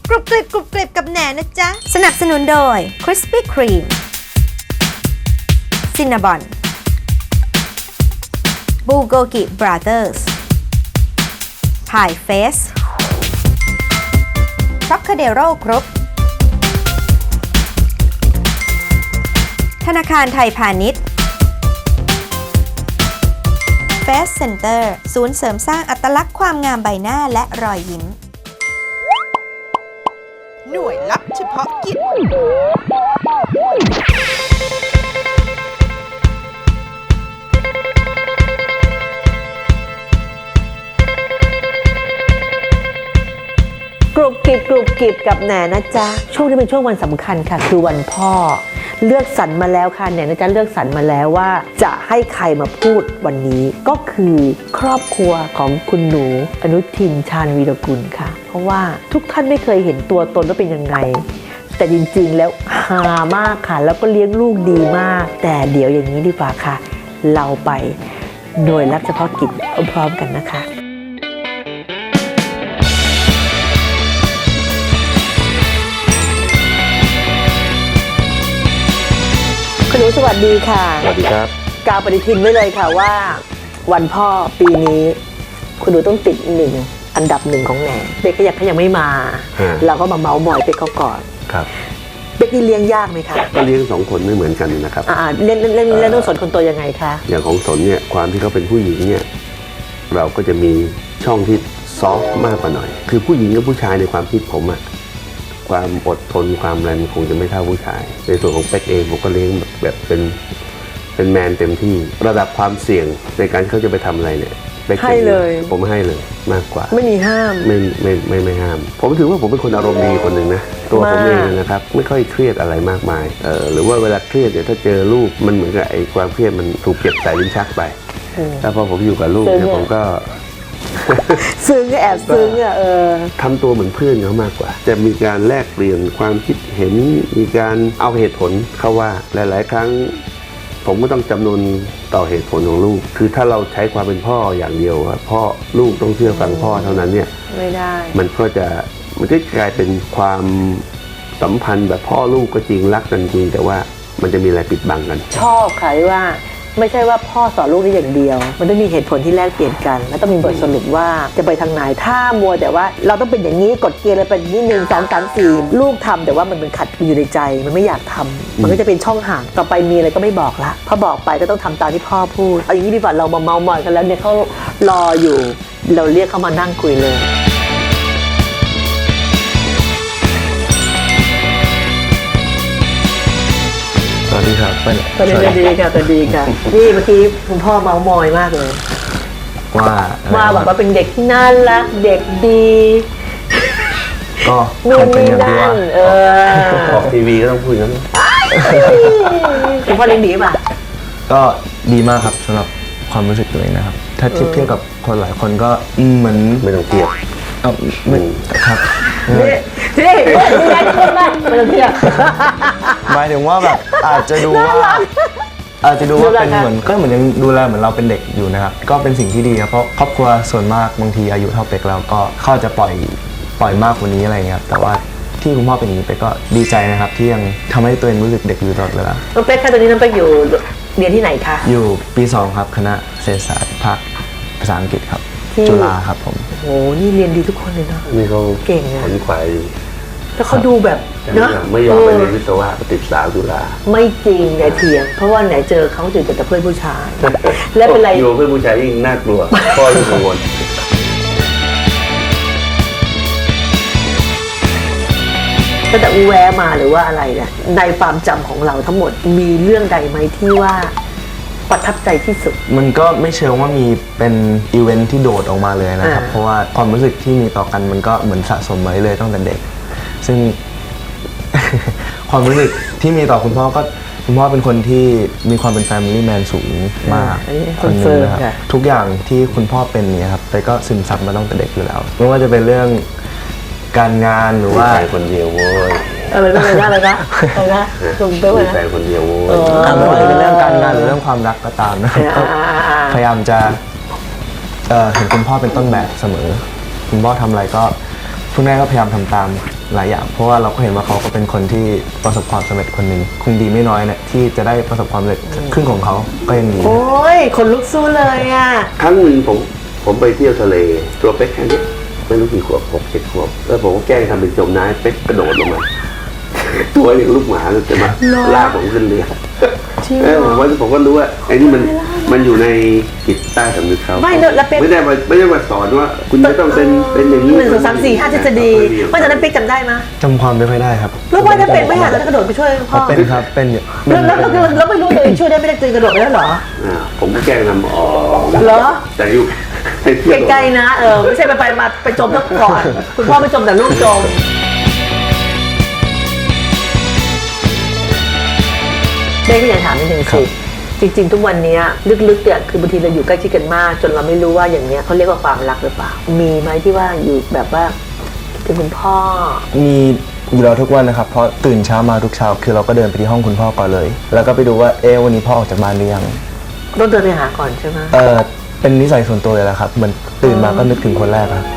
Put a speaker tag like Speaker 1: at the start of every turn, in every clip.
Speaker 1: กรุบกริบกรุบกริบกับแหนนะจ๊ะสนับสนุนโดย Krispy Kreme Cinnabon Bulgogi Brothers Pie Face Trocadero Group ธนาคารไทยพาณิชย์ Face Center ศูนย์เสริมสร้างอัตลักษณ์ความงามใบหน้าและรอยยิ้มหน่วยลับเฉพาะกิจ
Speaker 2: กรุบกริบกับแหนนะจ๊ะช่วงนี้เป็นช่วงวันสำคัญค่ะคือวันพ่อเลือกสรรมาแล้วค่ะแหนนะจ๊ะเลือกสรรมาแล้วว่าจะให้ใครมาพูดวันนี้ก็คือครอบครัวของคุณหนูอนุทินชาญวีรกุลค่ะเพราะว่าทุกท่านไม่เคยเห็นตัวตนว่าเป็นยังไงแต่จริงๆแล้วฮามากค่ะแล้วก็เลี้ยงลูกดีมากแต่เดี๋ยวอย่างนี้ดีกว่าค่ะเราไปหน่วยรับเฉพาะกิจพร้อมๆกันนะคะคุณหนูสวัสดีค่ะ
Speaker 3: สวัสดีครับ
Speaker 2: กาวปฏิทินไว้เลยค่ะว่าวันพ่อปีนี้คุณหนูต้องติดอันดับหนึ่งของแหนเป๊กก็ยังไม่มาเราก็มาเมาส์มอยเป๊กเขาก่อน
Speaker 3: ครับ
Speaker 2: เป๊กนี่เลี้ยงยากไหมคะ
Speaker 3: ก็เลี้ยง2 คนไม่เหมือนกันนะครับ
Speaker 2: เล่นต้องสนคนตัวยังไงคะ
Speaker 3: อย่างของสนเนี่ยความที่เขาเป็นผู้หญิงเนี่ยเราก็จะมีช่องที่ซอฟต์มากกว่าหน่อยคือผู้หญิงกับผู้ชายในความคิดผมความอดทนความแรงคงจะไม่เท่าผู้ชายในส่วนของเป๊กเองผมก็เลี้ยงแบบเป็นแมนเต็มที่ระดับความเสี่ยงในการเขาจะไปทำอะไรเนี่ย
Speaker 2: ให้เลย
Speaker 3: ผมให้เลยมากกว่า
Speaker 2: ไม่มีห้าม
Speaker 3: ไม่ห้ามผมถือว่าผมเป็นคนอารมณ์ดีคนหนึ่งนะตัวผมเองนะครับไม่ค่อยเครียดอะไรมากมายหรือว่าเวลาเครียดเนี่ยถ้าเจอลูกมันเหมือนกับไอ้ความเครียดมันถูกเก็บใส่ลิ้นชักไปแล้วพอผมอยู่กับลูกเนี่ยผมก็
Speaker 2: ซึ้งแอบซึ้ง
Speaker 3: ทำตัวเหมือนเพื่อนเขามากกว่าจะมีการแลกเปลี่ยนความคิดเห็นมีการเอาเหตุผลเข้าว่าหลายๆครั้งผมก็ต้องจำนวนต่อเหตุผลของลูกคือถ้าเราใช้ความเป็นพ่ออย่างเดียวพ่อลูกต้องเชื่อฟังพ่อเท่านั้นเนี่ย
Speaker 2: ไม่ได้
Speaker 3: มันก็กลายเป็นความสัมพันธ์แบบพ่อลูกก็จริงรักกันจริงแต่ว่ามันจะมีอะไรปิดบังกัน
Speaker 2: ชอบค่ะว่าไม่ใช่ว่าพ่อสอนลูกได้อย่างเดียวมันต้องมีเหตุผลที่แลกเปลี่ยนกันแล้วต้องมีบทสรุปว่าจะไปทางไหนถ้ามัวแต่ว่าเราต้องเป็นอย่างนี้กฎเกณฑ์อะไรเป็นอย่างนี้1 2 3 4ลูกทำแต่ว่ามันเป็นขัดอยู่ในใจมันไม่อยากทำมันก็จะเป็นช่องห่างต่อไปมีอะไรก็ไม่บอกละพอบอกไปก็ต้องทำตามที่พ่อพูดเอาอย่างนี้ดีกว่าเรามาเมามอยกันแล้วเนี่ยเขารออยู่เราเรียกเขามานั่งคุยเลย
Speaker 3: สวัสดีครับ
Speaker 2: สวัสดีค่ะสวัสดีค่ะนี่เมื่อกี้คุณพ่อเมามอยมากเลยว่าแบบว่าเป็นเด็กที่น่ารักเด็กดี
Speaker 4: ก็คงเป็นอย่างที่ว่า
Speaker 3: ออกทีวีก็ต้องพูดอย่างนั้น
Speaker 2: คุณพ่อเลี้ยงดีป่ะ
Speaker 4: ก็ดีมากครับสำหรับความรู้สึกตัวเองนะครับถ้าเทียบกับคนหลายคนก็เหมือน
Speaker 3: ไม่ต้องเทียบ
Speaker 4: ไม่ครับ
Speaker 2: นี่แรงคนมากไม่ต้องเทียบ
Speaker 4: หมายถึงว่าแบบอาจจะดูว่าเป็นเหมือนก็เหมือนยังดูแลเหมือนเราเป็นเด็กอยู่นะครับก็เป็นสิ่งที่ดีครับเพราะครอบครัวส่วนมากบางทีอายุเท่าเป็กแล้วก็เขาจะปล่อยมากกว่านี้อะไรเงี้ยแต่ว่าที่คุณพ่อเป็นอย่างนี้เป็กก็ดีใจนะครับที่ยังทำให้ตัวเองรู้สึกเด็กอยู่ตลอดเวลา
Speaker 2: น้องเป็กค่ะตอนนี้น้องเป็กอยู่เรียนที่ไหนคะ
Speaker 4: อยู่ปี 2ครับคณะเศรษฐศาสตร์ภาคภาษาอังกฤษครับจุฬาครับผม
Speaker 2: โอ้นี่เรียนดีทุกคนเลยเนาะ
Speaker 3: นี่เขา
Speaker 2: เก่ง
Speaker 3: ขนขวาย
Speaker 2: แล้วเขาดูแบบ
Speaker 3: เนาะไม่ยอมไปเรียนวิศวะติดสาวจุฬา
Speaker 2: ไม่จริงไหนเถียงเพราะว่าไหนเจอเขาเจอแต่เพื่อนผู้ชายและเป็นไร
Speaker 3: อยู่เพื่อนผู้ชายยิ่งน่ากลัวพ่อยิ่งกังวล
Speaker 2: ตั้งแต่อูแวะมาหรือว่าอะไรเนี่ยในความจำของเราทั้งหมดมีเรื่องใดไหมที่ว่าประทับใจที่สุด
Speaker 4: มันก็ไม่เชิงว่ามีเป็นอีเวนท์ที่โดดออกมาเลยนะครับเพราะว่าความรู้สึกที่มีต่อกันมันก็เหมือนสะสมมาเลยตั้งแต่เด็กซึ่ง ความรู้สึกที่มีต่อคุณพ่อก็คุณพ่อเป็นคนที่มีความเป็น Family Man สูงมาก
Speaker 2: คนนึงนะครับ
Speaker 4: ทุกอย่างที่คุณพ่อเป็นเนี่ยครับแต่ก็ซึมซับมาตั้งแต่เด็กอยู่แล้วไม่ว่าจะเป็นเรื่องการงานหรือว่า
Speaker 3: ใครคนเดียวโว้ย
Speaker 2: อะไรนะคุณเป้ว่า
Speaker 3: แฟนคนเดียว
Speaker 4: ไม่ว่าจะเป็นเรื่องการงานหรือเรื่องความรักก็ตามนะครับพยายามจะเห็นคุณพ่อเป็นต้นแบบเสมอคุณพ่อทำอะไรก็คุณแม่ก็พยายามทำตามหลายอย่างเพราะว่าเราก็เห็นว่าเขาก็เป็นคนที่ประสบความสำเร็จคนหนึ่งคงดีไม่น้อยเนี่ยที่จะได้ประสบความสำเร็จครึ่งของเขาก็ยังดี
Speaker 2: โอ้ยคนลุกสู้เลยอ่ะ
Speaker 3: ครั้งหนึ่งผมไปเที่ยวทะเลตัวเป๊กแค่นี้ไม่รู้กี่ขวบ6-7 ขวบแล้วผมก็แกล้งทำเป็นจมน้ำเป๊กกระโดดลงมา ตัวอย่างลูกหมาเลยจะมาลากผมขึ้นเรือ
Speaker 2: จริงเหรอ
Speaker 3: ผมก็รู้ว่าไอ้นี่มันอยู่ในจิตใต้สำนึกเขา
Speaker 2: ไม่แล้วเป๊ก
Speaker 3: ไม่ได้มาสอนว่าคุณจะต้องเป็นอย่างนี้
Speaker 2: 1 2 3 4 5ทฤษฎีว่าตอนนั้นเป๊กจำได้ไหม
Speaker 4: จำความไม่ค่อยได้ครับ
Speaker 2: แล้วว่าถ้าเป็นไม่หาแล้วกระโดดไปช่วยพ่อ
Speaker 4: เป็นครับเป็นอยู่
Speaker 2: แล้วไม่รู้เลยช่วยได้ไม่ได้กระโดดไปแล้วเหรอ
Speaker 3: ผมก็แกล้งทำ
Speaker 2: เหรอ
Speaker 3: แต่อยู่ในเที่ยว
Speaker 2: ไกลๆนะไม่ใช่ไปจมซะก่อนคุณพ่อไม่จมแต่ลูกจมเบ้ก็อยากถามนิดนึงสิจริงๆทุกวันนี้ลึกๆเนี่ยคือบางทีเราอยู่ใกล้ชิดกันมาก จนเราไม่รู้ว่าอย่างเนี้ยเขาเรียกว่าความรักหรือเปล่ามีไหมที่ว่าอยู่แบบว่าคิดถึงคุณพ่อ
Speaker 4: มีอยู่แล้วทุกวันนะครับเพราะตื่นเช้ามาทุกเช้าคือเราก็เดินไปที่ห้องคุณพ่อก่อนเลย แล้วก็ไปดูว่าวันนี้พ่อออกจากบ้านหรือยัง
Speaker 2: ต้องเดินไปหาก่อนใช่ไหม
Speaker 4: เป็นนิสัยส่วนตัวเลยแหละครับเหมือนตื่นมาก็นึกถึงคนแรกครับ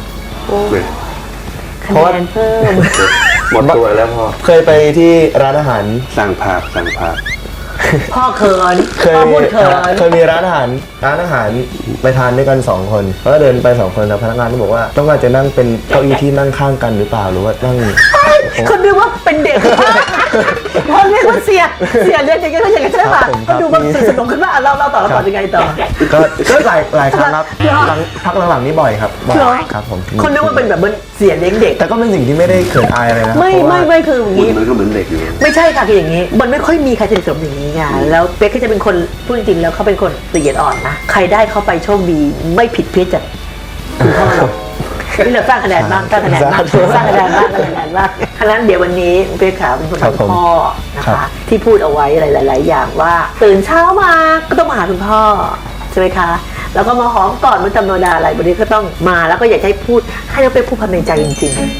Speaker 2: คะแนนเพิ่ม
Speaker 3: หมดตัวแล้วพ่อ
Speaker 4: เคยไปที่ร้านอาหาร
Speaker 3: สั่งภาพ
Speaker 2: พ่อเขิน
Speaker 4: เคย
Speaker 2: พ่อพูดเขิน
Speaker 4: เคยมีร้านอาหารไปทานด้วยกัน2 คนแล้วก็เดินไป2 คนแล้วพนักงานก็บอกว่าต้องการจะนั่งเป็นเก้าอี้ที่นั่งข้างกันหรือเปล่าหรือว่านั่ง
Speaker 2: คนดูว่าเป็นเด็กพ่อเรียกว่าเสียเรียกอย่างนี้ก็อย่างนี้ใช่ป่ะเขาดูว่าสนุกขึ้นมาเราต่อยังไงต่อ
Speaker 4: ก็หลายครั้งครับพักหลังๆนี้บ่อยครับบ่อยครับผม
Speaker 2: คนนึกว่าเป็นแบบเสียเลี้ยงเด็ก
Speaker 4: แต่ก็เป็นสิ่งที่ไม่ได้เขินอายอะไรนะ
Speaker 2: ไม่คืออย่าง
Speaker 3: คุณ
Speaker 2: นี้
Speaker 3: มันก็เหมือนเด็กอยู่
Speaker 2: ไม่ใช่ค่ะคืออย่างนี้ มันไม่ค่อยมีใครสนิทสนมอย่างนี้ไงแล้วเป๊กก็จะเป็นคนพูดจริงๆแล้วเขาเป็นคนละเอียดอ่อนนะใครได้เขาไปโชคดีไม่ผิดเพี้ยนจากคุณพ่อหรอกนี่เราสร้างคะแนนบ้างสร้างคะแนนบ้างฉะนั้นเดี๋ยววันนี้เป๊กขาเป็นคนของพ่อนะคะที่พูดเอาไว้หลายๆอย่างว่าตื่นเช้ามาก็ต้องมาหาคุณพ่อใช่ไหมคะแล้วก็มาหอมก่อนมันธรรมดาอะไรวันนี้ก็ต้องมาแล้วก็อยากให้พูดให้เราไปพูดความในใจจริงๆ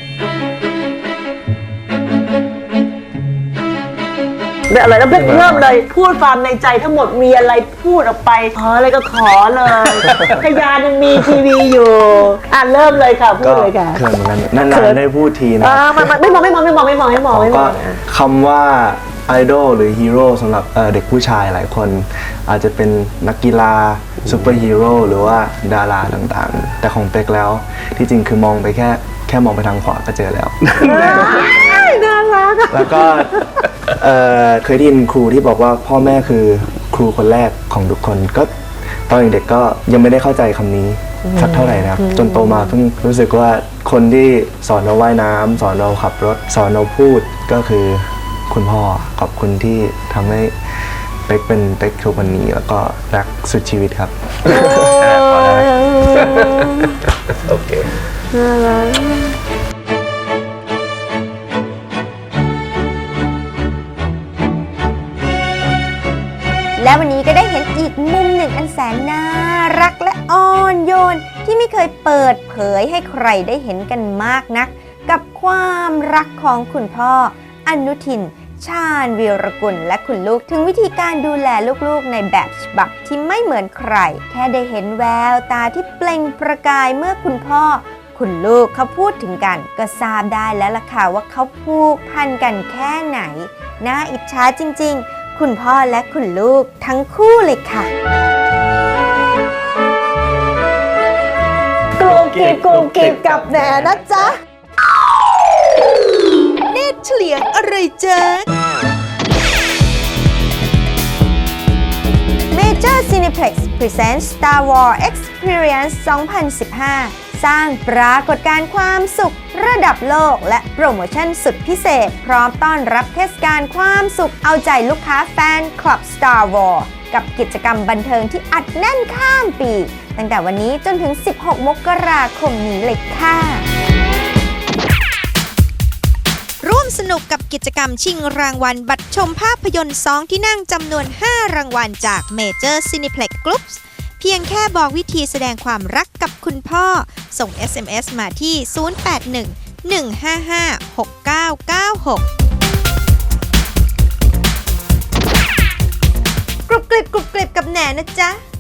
Speaker 2: อะไรแล้วเริ่มเลยพูดความในใจทั้งหมดมีอะไรพูดออกไปขออะไรก็ขอเลยพยานยังมีทีวีอยู่เริ่มเลยค่ะพูดเลยค่ะ
Speaker 4: เขินเหมือนกันนานๆได้พูดทีนะ
Speaker 2: ไม่มอง
Speaker 4: ก็คำว่าไอดอลหรือฮีโร่สำหรับเด็กผู้ชายหลายคนอาจจะเป็นนักกีฬาซูเปอร์ฮีโร่หรือว่าดาราต่างๆแต่ของเป็กแล้วที่จริงคือมองไปแค่มองไปทางขวาก็เจอแล้ว
Speaker 2: น่ารัก
Speaker 4: แล้วก็เคยได้ยินครูที่บอกว่าพ่อแม่คือครูคนแรกของทุกคนก็ตอนเด็กๆก็ยังไม่ได้เข้าใจคำนี้สักเท่าไหร่นะครับจนโตมาเพิ่งรู้สึกว่าคนที่สอนเราว่ายน้ำสอนเราขับรถสอนเราพูดก็คือคุณพ่อขอบคุณที่ทำให้เป็กเป็นเป็กทุกวันนี้แล้วก็รักสุดชีวิตครับโอเค
Speaker 1: และวันนี้ก็ได้เห็นอีกมุมหนึ่งอันแสนน่ารักและอ่อนโยนที่ไม่เคยเปิดเผยให้ใครได้เห็นกันมากนักกับความรักของคุณพ่ออนุทิน ชาญวีรกุลและคุณลูกถึงวิธีการดูแลลูกๆในแบบฉบับที่ไม่เหมือนใครแค่ได้เห็นแววตาที่เปล่งประกายเมื่อคุณพ่อคุณลูกเขาพูดถึงกันก็ทราบได้แล้วล่ะค่ะว่าเขาผูกพันกันแค่ไหนน่าอิจฉาจริงๆคุณพ่อและคุณลูกทั้งคู่เลยค่ะกรุบกริบกับแหนนะจ๊ะเนตรเฉลียงอะไรจ๊ะ Major Cineplex Presents Star Wars Experience 2015 สร้างปรากฏการณ์ความสุขระดับโลกและโปรโมชั่นสุดพิเศษพร้อมต้อนรับเทศกาลความสุขเอาใจลูกค้าแฟนคลับ Star Wars กับกิจกรรมบันเทิงที่อัดแน่นข้ามปีตั้งแต่วันนี้จนถึง 16 มกราคมนี้เลยค่ะ ร่วมสนุกกับกิจกรรมชิงรางวัลบัตรชมภาพยนตร์2ที่นั่งจำนวน5รางวัลจาก Major Cineplex Groups เพียงแค่บอกวิธีแสดงความรักกับคุณพ่อส่ง SMS มาที่ 081-155-6996 กรุบกริบกับแหนนะจ๊ะ